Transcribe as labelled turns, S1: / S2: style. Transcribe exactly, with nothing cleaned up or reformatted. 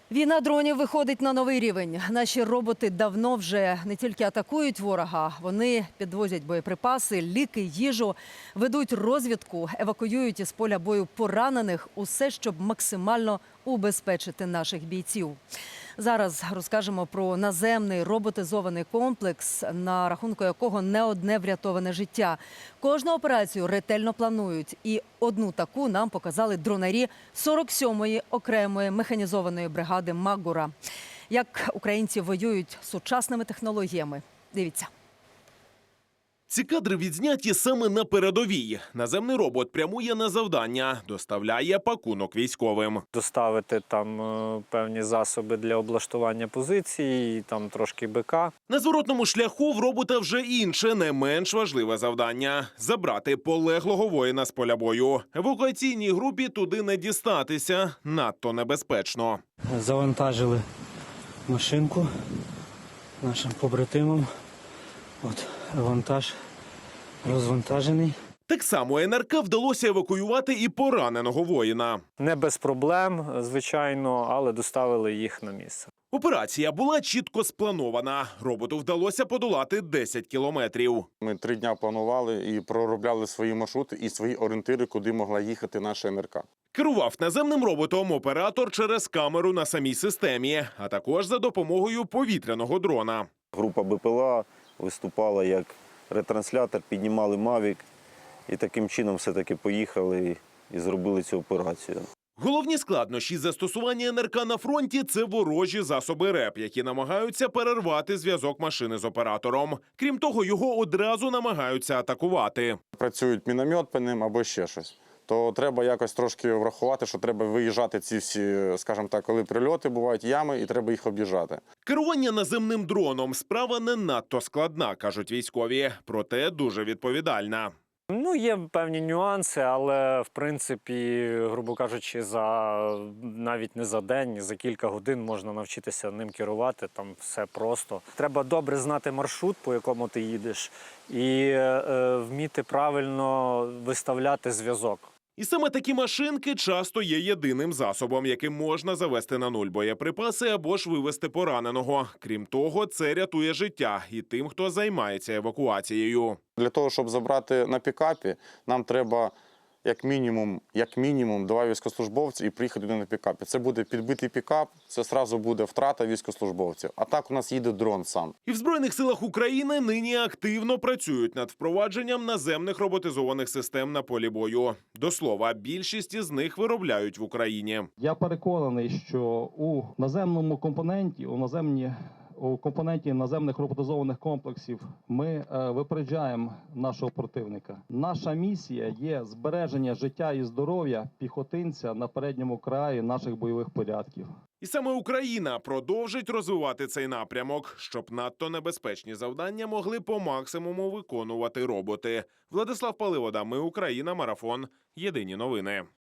S1: Війна дронів виходить на новий рівень. Наші роботи давно вже не тільки атакують ворога, вони підвозять боєприпаси, ліки, їжу, ведуть розвідку, евакуюють із поля бою поранених. Усе, щоб максимально убезпечити наших бійців. Зараз розкажемо про наземний роботизований комплекс, на рахунку якого не одне врятоване життя. Кожну операцію ретельно планують. І одну таку нам показали дронарі сорок сьомої окремої механізованої бригади «Магура». Як українці воюють сучасними технологіями. Дивіться.
S2: Ці кадри відзняті саме на передовій. Наземний робот прямує на завдання, доставляє пакунок військовим.
S3: Доставити там е, певні засоби для облаштування позицій, там трошки БК.
S2: На зворотному шляху в робота вже інше, не менш важливе завдання – забрати полеглого воїна з поля бою. Евакуаційній групі туди не дістатися, надто небезпечно.
S4: Завантажили машинку нашим побратимам. От вантаж розвантажений.
S2: Так само ен ер ка вдалося евакуювати і пораненого воїна.
S3: Не без проблем, звичайно, але доставили їх на місце.
S2: Операція була чітко спланована. Роботу вдалося подолати десять кілометрів.
S5: Ми три дня планували і проробляли свої маршрути і свої орієнтири, куди могла їхати наша ен ер ка.
S2: Керував наземним роботом оператор через камеру на самій системі, а також за допомогою повітряного дрона.
S6: Група Б П Л А виступала як ретранслятор, піднімали Мавік і таким чином все-таки поїхали і зробили цю операцію.
S2: Головні складнощі застосування ен ер ка на фронті – це ворожі засоби РЕП, які намагаються перервати зв'язок машини з оператором. Крім того, його одразу намагаються атакувати.
S5: Працюють міномет по ним або ще щось. То треба якось трошки врахувати, що треба виїжджати ці всі, скажімо так, коли прильоти, бувають ями, і треба їх об'їжджати.
S2: Керування наземним дроном – справа не надто складна, кажуть військові, проте дуже відповідальна.
S3: Ну, є певні нюанси, але, в принципі, грубо кажучи, за навіть не за день, за кілька годин можна навчитися ним керувати, там все просто. Треба добре знати маршрут, по якому ти їдеш, і е, вміти правильно виставляти зв'язок.
S2: І саме такі машинки часто є єдиним засобом, яким можна завести на нуль боєприпаси або ж вивести пораненого. Крім того, це рятує життя і тим, хто займається евакуацією.
S5: Для того, щоб забрати на пікапі, нам треба як мінімум, як мінімум два військовослужбовці і приїхати туди на пікапі. Це буде підбитий пікап, це одразу буде втрата військовослужбовців. А так у нас їде дрон сам.
S2: І в Збройних силах України нині активно працюють над впровадженням наземних роботизованих систем на полі бою. До слова, більшість із них виробляють в Україні.
S7: Я переконаний, що у наземному компоненті, у наземні у компоненті наземних роботизованих комплексів ми е, випереджаємо нашого противника. Наша місія є збереження життя і здоров'я піхотинця на передньому краї наших бойових порядків.
S2: І саме Україна продовжить розвивати цей напрямок, щоб надто небезпечні завдання могли по максимуму виконувати роботи. Владислав Паливода, Ми Україна, Марафон. Єдині новини.